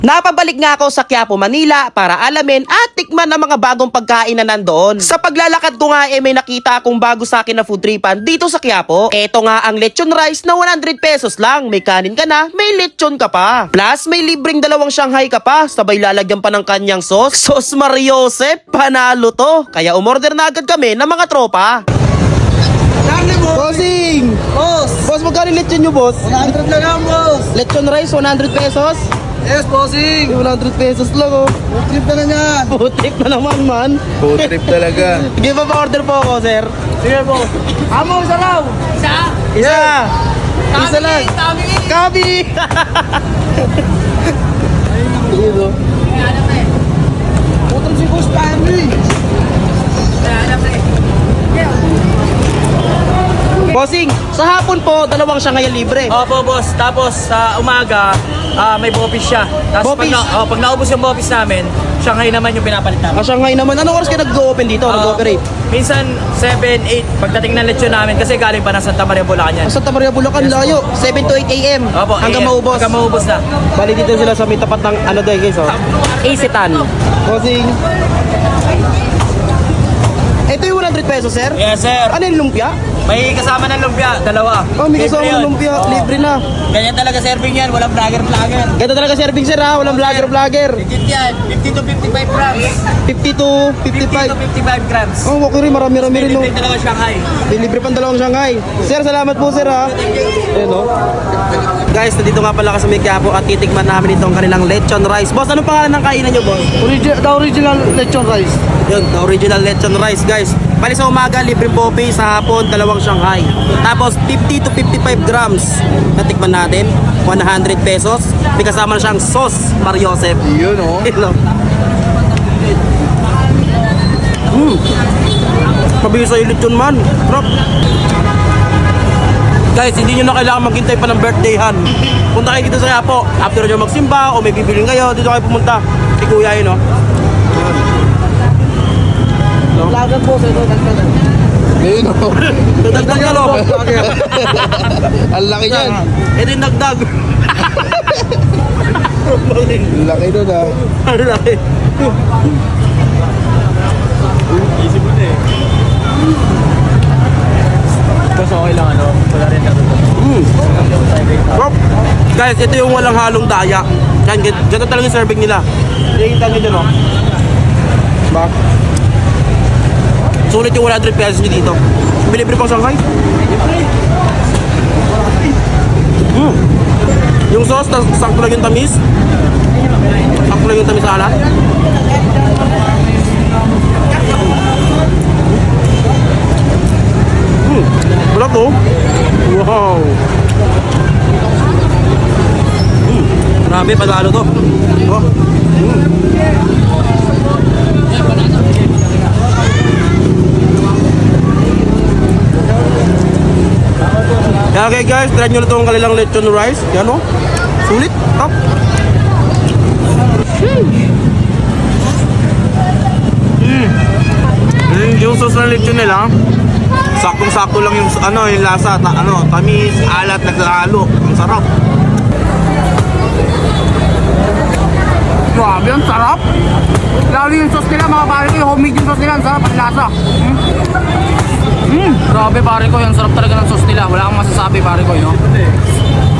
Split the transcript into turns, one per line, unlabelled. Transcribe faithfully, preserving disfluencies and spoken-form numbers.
Napabalik nga ako sa Quiapo, Manila para alamin at tikman ang mga bagong pagkain na nandoon. Sa paglalakad ko nga eh may nakita akong bago sa akin na food tripan dito sa Quiapo. Eto nga ang lechon rice na one hundred pesos lang. May kanin ka na, may lechon ka pa. Plus may libreng dalawang Shanghai ka pa. Sabay lalagyan pa ng kanyang sauce. Sauce Mariosep, panalo to. Kaya umorder na agad kami ng mga tropa. Bossing!
Boss!
Boss, magkano lechon nyo, boss?
one hundred lang yan, boss!
Lechon rice, one hundred pesos?
Yes, bossing!
one hundred pesos lang, oh.
Food trip na na yan!
Food trip na naman, man.
Food trip talaga.
Sige pa pa-order po ako, sir.
Sige, boss! Amo, isa raw! Isa?
Isa! Isa lang.
Tabi!
Kabi! Dito.
Putang si Boss Pammy!
Bossing, sa hapon po, dalawang Shanghai libre.
Opo, boss. Tapos sa umaga, ah, may bopis siya. Tapos pag,
Bopis?
na, oh, pag naubos yung bopis namin, Shanghai naman yung pinapalit namin.
Ah, Shanghai naman. Anong oras kayo nag-open dito?
Ah,
Nag-operate?
Minsan seven, eight pagdating ng lechon namin kasi galing pa ng Santa Maria, Bulacan yan.
Santa Maria, Bulacan,
Yes,
layo. seven to eight a m
Opo,
Hanggang
eh,
maubos.
Hanggang maubos na.
Bali dito sila sa may tapat ng ano daw guys, oh. Isitan. Bossing. Ito yung one hundred pesos, sir?
Yes, sir.
Ano yung lumpia?
May kasama ng lumpia, dalawa.
Oh, may kasama
Libre
ng
yun.
lumpia.
Oo.
Libre na.
Ganyan talaga serving yan, walang vlogger-vlogger.
Ganda talaga serving, sir, ha? Walang vlogger-vlogger.
Legit yan, fifty to fifty-five grams.
fifty to
fifty
fifty-five.
to fifty-five grams.
Oh, okay rin. Marami-rami
May
rin, no?
libre dalawa Shanghai.
May libre pang dalawang Shanghai. Sir, salamat po, sir, ha? Ayan, no? Guys, nandito nga pala kasi may Quiapo at titikman namin itong kanilang lechon rice. Boss, anong pangalan ng kainan nyo, boss?
Origi- the original lechon rice.
Yun, the original lechon rice, guys. Bali sa umaga, libre popi. Sa hapon, dalawang Shanghai. Tapos, fifty to fifty-five grams. Natikman natin. one hundred pesos. May kasama na siyang sauce, Mariosep.
Yun oh.
Yun, no? Hmm. Mabilis sa lechon, man. Sarap. Guys, hindi nyo na kailangan maghintay pa ng birthdayhan. Punta kayo dito sa Quiapo. After nyo magsimba o may bibiling kayo, dito kayo pumunta. Si Kuya yun, no?
Lagan po sa ito, dagdagan.
Yun oh.
Dagdag ka, no?
Ang laki niyan.
Eh din dagdag.
Ang laki nun ah.
Ano laki?
Boss, okay lang ano, wala rin natutunan.
Mm. Sarap. Guys, ito yung walang halong daya. Yan, gan- ganito talaga yung serving nila. Nakikita nyo dyan, no? Ba? Sulit yung one hundred pesos nyo dito. Bilibre pang Shanghai. Mm. Yung sauce, tas- sakto lang yung tamis. Sakto lang yung tamis sa alat. Mm. Wala to. Wow. Mm. Grabe, panalo to. Oh. Mm. Kaya okay guys, try nyo na itong kanilang lechon rice. Yan o. Sulit. Top. Mm. Mm. Yung sauce ng lechon nila, saktong-sakto lang yung ano, yung lasa, ta, ano, tamis, alat, naghalo. Ang sarap.
Grabe, ang sarap! Lalo yung sauce nila, mga pare ko, yung homemade yung sauce nila, ang sarap, ang lasa. Mm. Mm. Grabe pare ko, yung sarap talaga ng sauce nila. Wala kang masasabi pare ko, yun.